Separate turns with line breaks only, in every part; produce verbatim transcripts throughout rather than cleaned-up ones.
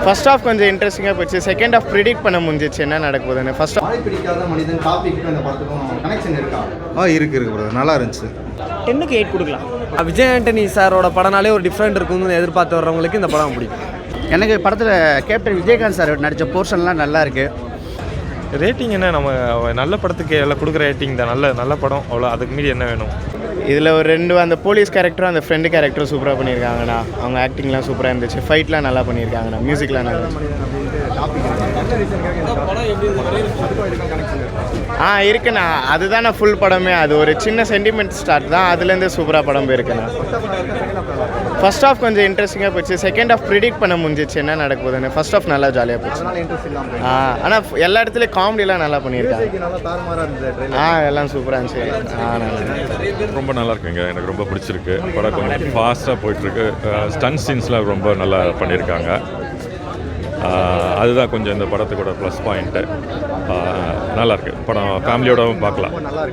First half கொஞ்சம் இன்ட்ரெஸ்டிங்காக போச்சு. செகண்ட் ஹாஃப் ப்ரிடிக்ட் பண்ண முடிஞ்சிச்சு என்ன நடக்குதுன்னு. ஃபர்ஸ்ட்
மழை பிடிக்காத மனிதன் டாபிக் அந்த படத்துக்கும் கனெக்ஷன் இருக்கா?
ஆ இருக்கு இருக்கு ப்ரோ, நல்லா இருந்துச்சு.
டென்னுக்கு எயிட் கொடுக்கலாம்.
விஜய் ஆண்டனி சாரோட படனாலே ஒரு டிஃப்ரெண்ட் இருக்கும்னு எதிர்பார்த்து வர்றவங்களுக்கு இந்த படம் பிடிக்கும்.
எனக்கு படத்தில் கேப்டன் விஜயகாந்த் சார் நடித்த போர்ஷன்லாம் நல்லா இருக்குது.
ரேட்டிங் என்ன, நம்ம நல்ல படத்துக்கு எல்லாம் கொடுக்குற ரேட்டிங் தான். நல்ல நல்ல படம், அவ்வளோ. அதுக்கு மீறி என்ன வேணும்?
இதில் ஒரு ரெண்டு அந்த போலீஸ் கேரக்டரும் அந்த ஃப்ரெண்டு கேரக்டரும் சூப்பராக பண்ணியிருக்காங்கண்ணா. அவங்க ஆக்டிங்லாம் சூப்பராக இருந்துச்சு. ஃபைட்லாம் நல்லா பண்ணியிருக்காங்கண்ணா. மியூசிக்லாம் நல்லா ஆ இருக்குண்ணா. அதுதானே ஃபுல் படமே. அது ஒரு சின்ன சென்டிமெண்ட் ஸ்டார்ட் தான், அதுலேருந்து சூப்பராக படம் போயிருக்குண்ணா. ஃபர்ஸ்ட் ஹாஃப் கொஞ்சம் இன்ட்ரெஸ்டிங்காக போச்சு. செகண்ட் ஹாஃப் ப்ரிடிக்ட் பண்ண முடிஞ்சிச்சு என்ன நடக்குதுன்னு. ஃபர்ஸ்ட் ஹாஃப் நல்லா ஜாலியாக போச்சு. ஆ ஆனால் எல்லா இடத்துலையும் காமெடிலாம் நல்லா பண்ணியிருக்காங்க. ஆ எல்லாம் சூப்பராக இருந்துச்சு. ஆ நல்லா
ரொம்ப நல்லா இருக்குங்க. எனக்கு ரொம்ப பிடிச்சிருக்கு. படம் கொஞ்சம் ஃபாஸ்ட்டாக போயிட்டுருக்கு. ஸ்டன் சீன்ஸ்லாம் ரொம்ப நல்லா பண்ணியிருக்காங்க. அதுதான் கொஞ்சம் இந்த படத்துக்கூட ப்ளஸ் பாயிண்ட்டு. நல்லாயிருக்கு படம், ஃபேமிலியோடவும் பார்க்கலாம்.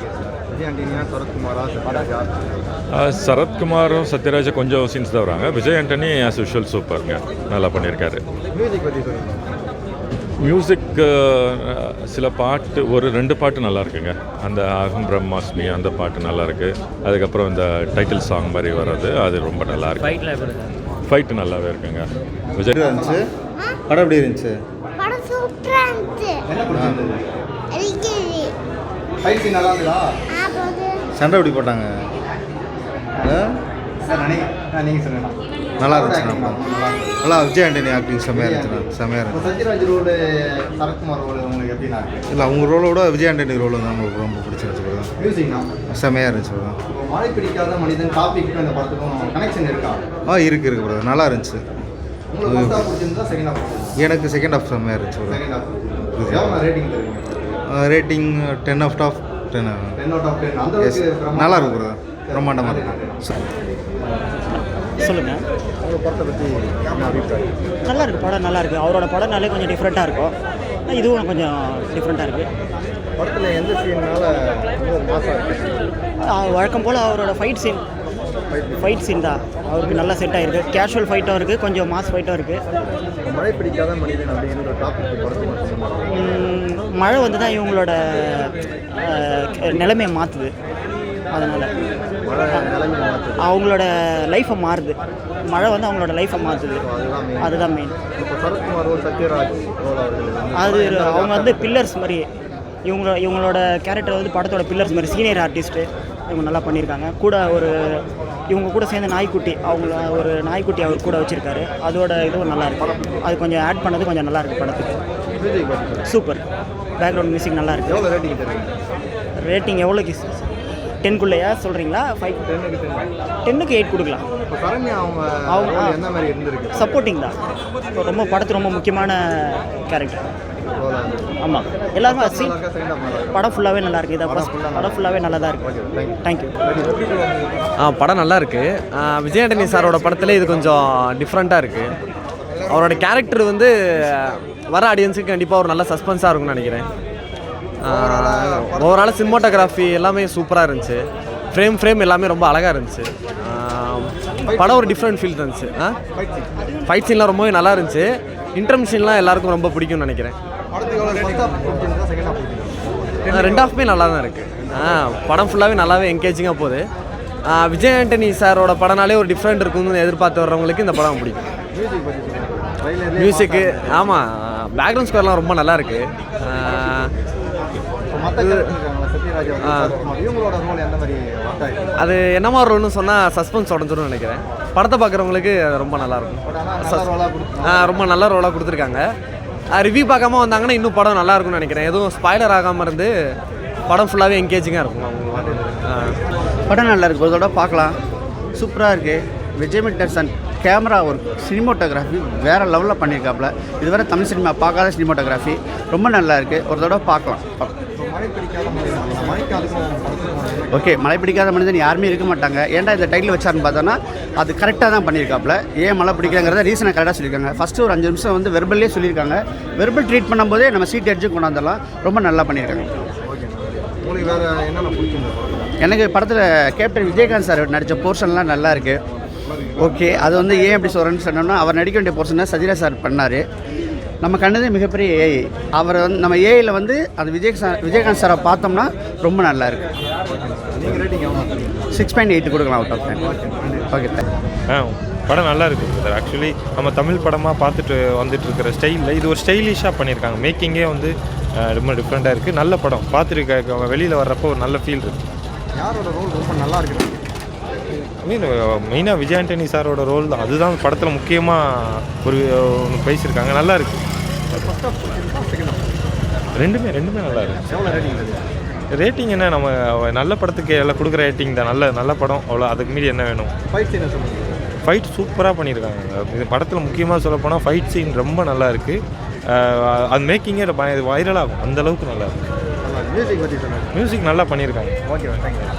சரத்குமாரும் சத்யராஜா கொஞ்சம் சீன்ஸ் தான் வராங்க. விஜய் ஆண்டனி ஆஸ் யூஷுவல் சூப்பருங்க, நல்லா பண்ணியிருக்காரு. மியூசிக் சில பாட்டு, ஒரு ரெண்டு பாட்டு நல்லா இருக்குங்க. அந்த அகம் பிரம்மாஸ்மி அந்த பாட்டு நல்லா இருக்கு. அதுக்கப்புறம் இந்த டைட்டில் சாங் மாதிரி வர்றது அது ரொம்ப நல்லா இருக்கு. ஃபைட்டு நல்லாவே இருக்குங்க. விஜய்
இருந்துச்சு படம் எப்படி இருந்துச்சு?
படம் சூப்பரா இருந்துச்சு.
ஃபைட் சீன் நல்லா இருக்குதா?
சண்டை எப்படி போட்டாங்க?
நீங்கள் சொல்லுங்க.
நல்லா இருந்துச்சு. நல்லா விஜய் ஆண்டனி ஆக்டிங் செம்மையாக இருந்துச்சு. செம்மையாக இருந்துச்சு.
சத்யராஜ் ரோடு, சரத்குமார் ரோடு உங்களுக்கு எப்படின்னா இருக்கு?
இல்லை அவங்க ரோலோட விஜய் ஆண்டனி ரோல் தான் உங்களுக்கு ரொம்ப பிடிச்சிருந்துச்சு.
மியூசிக் தான்
செம்மையாக இருந்துச்சு.
மழை பிடிக்காத மனிதன் டாபிக் அந்த படத்துக்கும் கனெக்ஷன் இருக்கா?
ஆ இருக்கு இருக்கு ப்ரோ, நல்லா இருந்துச்சு.
உங்களுக்கு ஃபர்ஸ்ட் ஹாஃப் பிடிச்சிருந்தா செகண்ட் ஹாஃப்?
எனக்கு செகண்ட் ஹாஃப் செம்மையாக இருந்துச்சு.
செகண்ட் ஹாஃப் எவ்வளோ ரேட்டிங் தருவீங்க?
Rating ten of top ten
ten out of ten. அந்த அளவுக்கு
நல்லா இருக்கு ப்ரோ, பிரம்மாண்டமாக இருக்கு.
சொல்லுங்கள்.
உங்கள் படத்தை பற்றி
நல்லா இருக்குது படம், நல்லா இருக்குது. அவரோட படம்னாலே கொஞ்சம் டிஃப்ரெண்ட்டாக இருக்கும். இதுவும் கொஞ்சம் டிஃப்ரெண்ட்டாக இருக்குது.
படத்தில் எந்த சீன்னால ரொம்ப மாசாக இருக்குது?
வழக்கம் போல் அவரோட ஃபைட் சீன் ஃபைட் சீன் தான் அவருக்கு நல்லா செட் ஆகிருக்கு. கேஷுவல் ஃபைட்டும் இருக்குது, கொஞ்சம் மாஸ் ஃபைட்டும் இருக்குது.
மழை பிடிக்காத மனிதன் அப்படிங்கிற டாபிக் படத்தில்
மழை வந்து தான் இவங்களோட நிலைமையை மாற்றுது. அதனால் அவங்களோட லைஃப்பை மாறுது. மழை வந்து அவங்களோட லைஃப்பை மாற்றுது. அதுதான் மெயின்.
இப்போ சரத்குமார் ரோல், சத்யராஜ் ரோல்
அது அவங்க வந்து பில்லர்ஸ் மாதிரி. இவங்களோட இவங்களோட கேரக்டர் வந்து படத்தோட பில்லர்ஸ் மாதிரி. சீனியர் ஆர்டிஸ்ட்டு இவங்க நல்லா பண்ணியிருக்காங்க. கூட ஒரு இவங்க கூட சேர்ந்த நாய்க்குட்டி, அவங்கள ஒரு நாய்க்குட்டி அவர் கூட வச்சுருக்காரு. அதோட இதுவும் நல்லா இருக்குது. அது கொஞ்சம் ஆட் பண்ணது கொஞ்சம் நல்லா இருக்குது படத்துக்கு. சூப்பர். பேக்ரவுண்ட் மியூசிக் நல்லா இருக்குது.
எவ்வளோ ரேட்டிங் தருவீங்க?
ரேட்டிங் எவ்வளோக்கு? டென்குள்ளையா சொல்கிறீங்களா? ஃபைவ்
டென்னுக்கு டென்
டென்னுக்கு எயிட் கொடுக்கலாம்.
இப்போ சரண்யா அவங்க
அவங்க
எந்த மாதிரி இருந்திருக்கு?
சப்போர்ட்டிங் தான். ரொம்ப படத்து ரொம்ப முக்கியமான கேரக்டர். ஆமாம், எல்லாருமே சி படம் ஃபுல்லாகவே நல்லா இருக்குது. இதை ஃபஸ்ட் படம் ஃபுல்லாகவே நல்லா தான் இருக்குது. தேங்க்யூ.
ஆ படம் நல்லா இருக்குது. விஜய் ஆண்டனி சாரோட படத்தில் இது கொஞ்சம் டிஃப்ரெண்ட்டாக இருக்குது. அவரோட கேரக்டர் வந்து வர ஆடியன்ஸுக்கு கண்டிப்பாக ஒரு நல்ல சஸ்பென்ஸாக இருக்கும்னு நினைக்கிறேன். ஓவரால் சினிமாட்டோகிராஃபி எல்லாமே சூப்பராக இருந்துச்சு. ஃப்ரேம் ஃப்ரேம் எல்லாமே ரொம்ப அழகாக இருந்துச்சு. படம் ஒரு டிஃப்ரெண்ட் ஃபீல் இருந்துச்சு. ஆ ஃபைட் சீன்லாம் ரொம்பவே நல்லா இருந்துச்சு. இன்டர்மிஷன்லாம் எல்லாருக்கும் ரொம்ப பிடிக்கும்னு நினைக்கிறேன். ரெண்டு ஹாஃப்மே நல்லா தான் இருக்குது. ஆ படம் ஃபுல்லாகவே நல்லாவே என்கேஜிங்காக போகுது. விஜய் ஆண்டனி சாரோட படனாலே ஒரு டிஃப்ரெண்ட் இருக்கும்னு எதிர்பார்த்து வர்றவங்களுக்கு இந்த படம் பிடிக்கும். மியூசிக்கு ஆமாம், பேக்ரவுண்ட் ஸ்கோர்லாம் ரொம்ப நல்லா இருக்குது. அது என்ன மாதிரி ரோல்னு சொன்னால் சஸ்பென்ஸ் உடஞ்சிடும்னு நினைக்கிறேன். படத்தை பார்க்குறவங்களுக்கு அது ரொம்ப நல்லாயிருக்கும். ஆ ரொம்ப நல்ல ரோலாக கொடுத்துருக்காங்க. ரிவ்யூ பார்க்காம வந்தாங்கன்னா இன்னும் படம் நல்லா இருக்கும்னு நினைக்கிறேன். எதுவும் ஸ்பாய்லர் ஆகாமல் இருந்து படம் ஃபுல்லாகவே என்கேஜிங்காக இருக்கும்.
படம் நல்லா இருக்குது, ஒரு தடவை பார்க்கலாம். சூப்பராக இருக்குது. விஜய் மிட்டர்சன் கேமரா ஒர்க், சினிமோட்டோகிராஃபி வேறு லெவலில் பண்ணியிருக்காப்புல. இதுவரை தமிழ் சினிமா பார்க்காத சினிமோட்டோகிராஃபி ரொம்ப நல்லா இருக்குது. ஒரு தடவை பார்க்கலாம். ஓகே, மழை பிடிக்காத மனிதன் யாருமே இருக்க மாட்டாங்க. ஏன்டா இந்த டைட்டில் வச்சாருன்னு பார்த்தோன்னா அது கரெக்டாக தான் பண்ணியிருக்காப்புல. ஏன் மழை பிடிக்கலங்கிறத ரீசனை கரெக்டாக சொல்லியிருக்காங்க. ஃபஸ்ட்டு ஒரு அஞ்சு நிமிஷம் வந்து வெர்பல்லே சொல்லியிருக்காங்க. வெர்பல் ட்ரீட் பண்ணும்போதே நம்ம சீட் அடிச்சு கொண்டாந்துடலாம். ரொம்ப நல்லா பண்ணியிருக்காங்க.
உங்களுக்கு வேறு என்னென்ன பிடிச்சிருந்தது?
எனக்கு படத்தில் கேப்டன் விஜயகாந்த் சார் நடித்த போர்ஷன்லாம் நல்லா இருக்குது. ஓகே, அது வந்து ஏன் எப்படி சொல்கிறேன்னு சொன்னோம்னா, அவர் நடிக்க வேண்டிய போர்ஷனை சத்யராஜ் சார் பண்ணார். நம்ம கண்டதே மிகப்பெரிய ஏஐ. அவர் வந்து நம்ம ஏஐயில் வந்து அந்த விஜய் சார் விஜயகாந்த் சாரை பார்த்தோம்னா ரொம்ப நல்லா இருக்கு.
நீங்கள் ரேட்டிங் எவ்வளோ?
சிக்ஸ் பாயிண்ட் எயிட் கொடுக்கலாம் out of ten. Okay thank
ஆ படம் நல்லா இருக்குது சார். ஆக்சுவலி நம்ம தமிழ் படமாக பார்த்துட்டு வந்துட்டு இருக்கிற ஸ்டைலில் இது ஒரு ஸ்டைலிஷாக பண்ணியிருக்காங்க. மேக்கிங்கே வந்து ரொம்ப டிஃப்ரெண்ட்டாக இருக்குது. நல்ல படம் பார்த்துட்டு வெளியில் வர்றப்போ ஒரு நல்ல ஃபீல் இருக்குது.
யாரோட ரோல் ரொம்ப நல்லா இருக்குது?
ஐ மீன் மெயினாக விஜய் ஆண்டனி சாரோட ரோல் தான், அதுதான் படத்தில் முக்கியமாக ஒரு ஒன்று பேசியிருக்காங்க. நல்லா இருக்குது. ரெண்டுமே ரெண்டுமே நல்லா இருக்குது.
எவ்வளோ ரேட்டிங் இருக்குது?
ரேட்டிங் என்ன, நம்ம நல்ல படத்துக்கு எல்லாம் கொடுக்குற ரேட்டிங் தான். நல்ல நல்ல படம், அவ்வளோ. அதுக்கு மீறி என்ன வேணும்?
ஃபைட் சீனை சொல்லுங்கள்.
ஃபைட் சூப்பராக பண்ணியிருக்காங்க. இது படத்தில் முக்கியமாக சொல்ல போனால் ஃபைட் சீன் ரொம்ப நல்லா இருக்குது. அது மேக்கிங்கே வைரலாகும், அந்தளவுக்கு நல்லா இருக்குது.
மியூசிக் பற்றி சொல்லுங்கள்.
மியூசிக் நல்லா பண்ணியிருக்காங்க.
Okay thank you.